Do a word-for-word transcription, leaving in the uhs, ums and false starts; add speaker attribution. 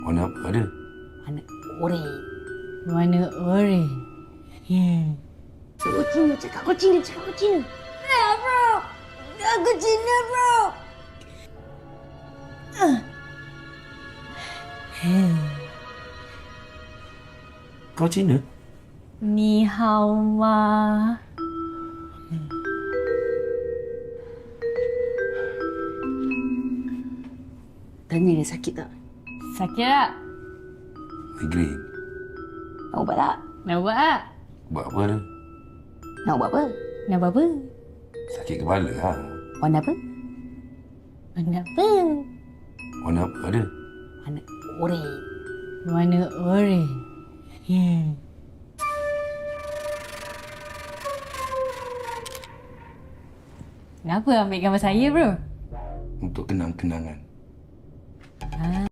Speaker 1: Warna apa ada?
Speaker 2: Warna oranye.
Speaker 3: Warna oranye. Hmm.
Speaker 2: Kau Cina, cakap kau Cina, cakap kau Cina. Ya, bro. Aku Cina, bro.
Speaker 1: Kau Cina?
Speaker 3: Ni hao ma.
Speaker 2: Tanya dia sakit tak?
Speaker 3: Sakit tak?
Speaker 1: Migraine.
Speaker 2: Nak ubat tak?
Speaker 3: Nak buat tak?
Speaker 1: Buat apa tu?
Speaker 2: Nak ubat apa?
Speaker 3: Nak buat apa?
Speaker 1: Sakit kepala ha?
Speaker 2: Warna apa?
Speaker 3: Warna apa?
Speaker 1: Warna apa ada?
Speaker 2: Warna oranye.
Speaker 3: Warna oranye. Hmm. Kenapa ambil gambar saya, bro?
Speaker 1: Untuk kenang-kenangan.
Speaker 3: Ah.